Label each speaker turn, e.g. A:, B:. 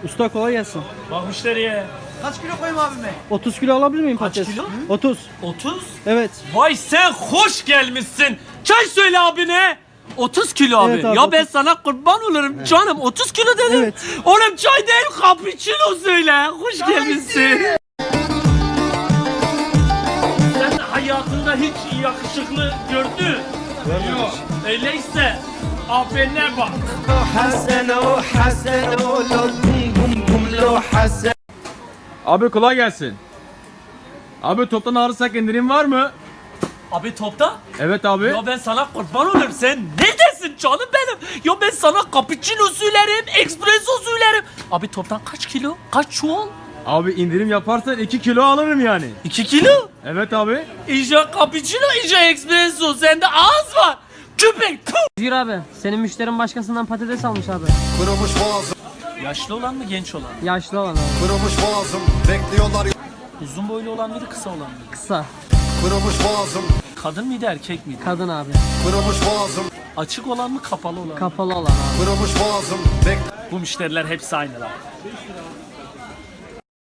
A: Usta kolay gelsin.
B: Bak müşteriye.
C: Kaç kilo koyayım abime?
A: 30 kilo alabilir miyim
B: Kaç
A: patates?
B: kilo?
A: 30.
B: 30?
A: Evet.
B: Vay sen hoş gelmişsin. Çay söyle abine. 30 kilo abi.
A: Evet abi,
B: Ya ben
A: 30.
B: sana kurban olurum canım. 30 kilo dedim.
A: Evet.
B: Oğlum çay değil cappuccino söyle. Hoş gelmişsin. Sen hayatında hiç yakışıklı gördün. Yok. Öyleyse abine bak.
D: Abi kolay gelsin. Abi toptan alırsak indirim var mı?
B: Abi topta.
D: Evet abi.
B: Ya ben sana kurban olurum. Sen neredesin canım benim? Ya ben sana cappuccino söylerim, espresso söylerim. Abi toptan kaç kilo? Kaç çuval?
D: Abi indirim yaparsan 2 kilo alırım yani.
B: 2 kilo?
D: Evet abi.
B: İyice cappuccino, iyice espresso. Sende ağız var. Köpek. Puh!
E: Buyur abi. Senin müşterin başkasından patates almış abi.
F: Kırılmış boğazım,
B: Yaşlı olan mı, genç olan?
E: Yaşlı olan abi.
F: kırılmış boğazım, bekliyorlar.
B: Uzun boylu olan mıydı, kısa olan mı?
E: Kısa.
F: Kırılmış boğazım,
B: Kadın mıydı, erkek miydi?
E: Kadın abi.
F: kırılmış boğazım,
B: Açık olan mı, kapalı olan mı?
E: Kapalı olan abi.
F: kırılmış boğazım,
B: Bu müşteriler hepsi aynı lan.